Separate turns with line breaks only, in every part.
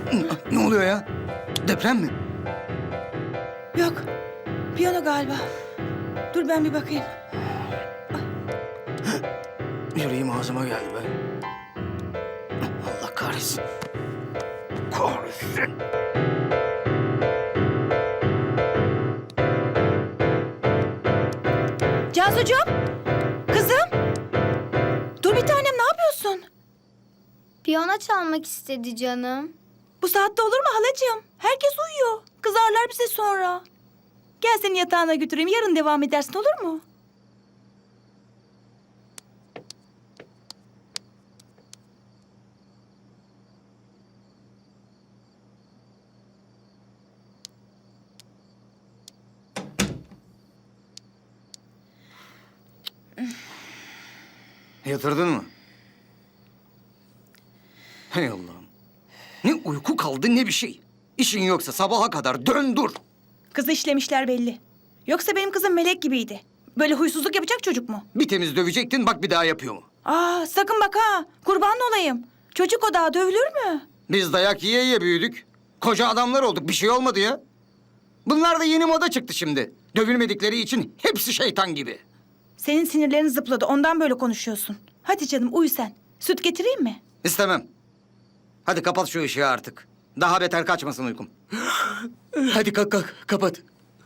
Ne oluyor ya? Deprem mi?
Yok. Piyano galiba. Dur ben bir bakayım.
Yüreğim ağzıma geldi be. Allah kahretsin. Kahretsin.
Cansucuğum. Kızım. Dur bir tanem, ne yapıyorsun?
Piyano çalmak istedi canım.
Bu saatte olur mu halacığım? Herkes uyuyor. Kızarlar bize sonra. Gel seni yatağına götüreyim. Yarın devam edersin, olur mu?
Yatırdın mı? Hey Allah'ım. Ne uyku kaldı ne bir şey. İşin yoksa sabaha kadar dön dur.
Kızı işlemişler belli. Yoksa benim kızım melek gibiydi. Böyle huysuzluk yapacak çocuk mu?
Bir temiz dövecektin bak bir daha yapıyor mu?
Aa, sakın bak ha. Kurban olayım. Çocuk o daha dövülür mü?
Biz dayak yiye yiye büyüdük. Koca adamlar olduk bir şey olmadı ya. Bunlar da yeni moda çıktı şimdi. Dövülmedikleri için hepsi şeytan gibi.
Senin sinirlerin zıpladı. Ondan böyle konuşuyorsun. Hadi canım uyu sen. Süt getireyim mi?
İstemem. Hadi kapat şu ışığı artık. Daha beter kaçmasın uykum. Hadi kalk kalk kapat.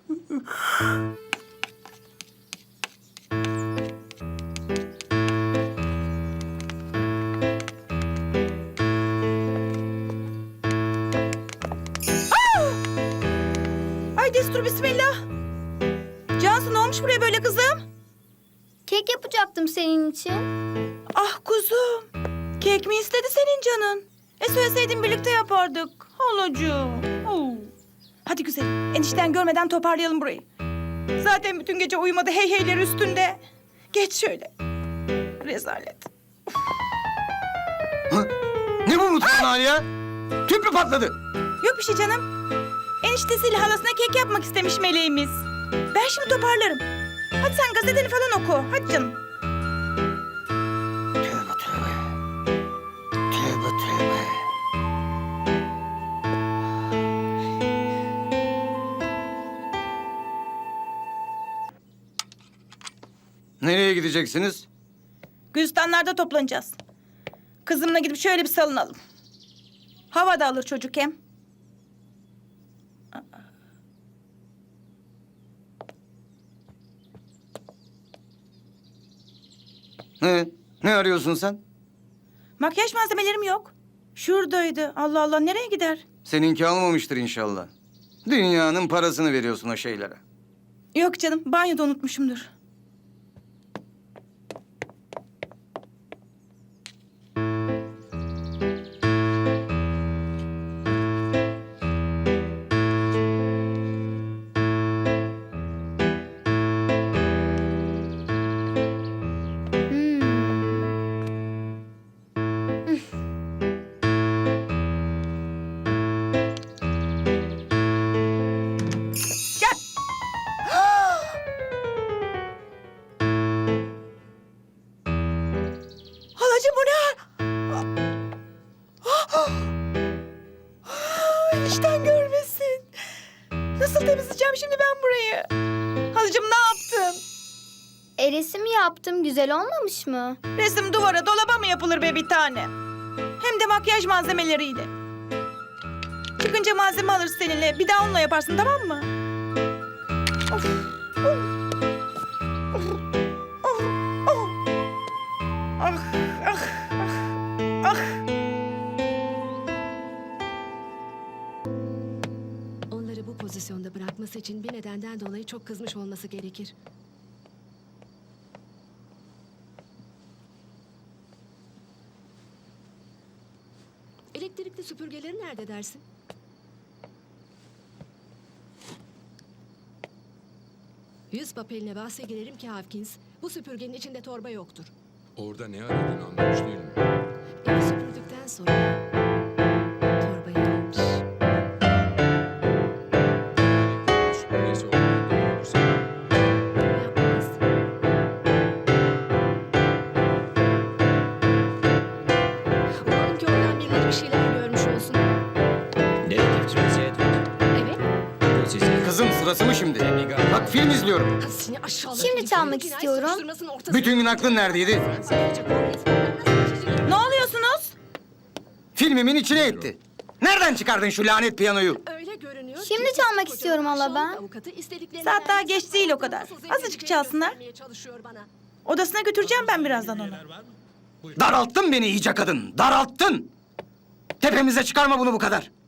Ay destur bismillah. Cansu ne olmuş buraya böyle kızım?
Kek yapacaktım senin için.
Ah kuzum. Kek mi istedi senin canın? Söyleseydin birlikte yapardık. Halacığım. Oo. Hadi güzelim. Enişten görmeden toparlayalım burayı. Zaten bütün gece uyumadı hey heyleri üstünde. Geç şöyle. Rezalet.
Ha? Ne bu mutfağın hali ya? Tüp mü patladı?
Yok bir şey canım. Eniştesiyle halasına kek yapmak istemiş meleğimiz. Ben şimdi toparlarım. Hadi sen gazeteni falan oku. Hadi canım.
Tövbe tövbe. Tövbe tövbe. Nereye gideceksiniz?
Gülistanlarda toplanacağız. Kızımla gidip şöyle bir salınalım. Hava da alır çocuk hem.
Ne arıyorsun sen?
Makyaj malzemelerim yok. Şuradaydı. Allah Allah nereye gider?
Seninki almamıştır inşallah. Dünyanın parasını veriyorsun o şeylere.
Yok canım banyoda unutmuşumdur. Gel. Halacığım bu ne? Enişten görmesin. Nasıl temizleyeceğim şimdi ben burayı? Halacığım ne yaptın?
Resim yaptım. Güzel olmamış mı?
Resim duvara, dolaba mı yapılır be bir tane? Hem de makyaj malzemeleriyle. Çıkınca malzeme alırız seninle. Bir daha onunla yaparsın tamam mı? Of. Ah, ah, ah, ah.
Onları bu pozisyonda bırakması için bir nedenden dolayı çok kızmış olması gerekir. Elektrikli süpürgeleri nerede dersin? Yüz papeline bahse girerim ki Hawkins, bu süpürgenin içinde torba yoktur.
Orada ne aradığını anlamış değilim.
Evi süpürdükten sonra torbayı almış.
Süpürgesi olduğunu biliyorsa
Yapmaz. Umarım ki oradan birileri bir şeyler görmüş olsun.
sizi.
Kızım sırası mı şimdi? Bak film izliyorum.
Seni aşağılık
Şimdi
herif.
çalmak
Cinayet
istiyorum.
soruşturmasının ortasında-
Bütün gün aklın neredeydi?
Ne oluyorsunuz?
Filmimin içine etti. Nereden çıkardın şu lanet piyanoyu?
Öyle görünüyor
Şimdi
ki
çalmak
kocaman
istiyorum hala
aşağılık
ben.
avukatı istediklerini
Saat daha
neredeyse
geç değil o kadar.
nasıl
Azıcık
zengin
çalsınlar.
göstermeye çalışıyor bana.
Odasına götüreceğim ben birazdan onu.
Daralttın beni iyice kadın. Daralttın. Tepemize çıkarma bunu bu kadar.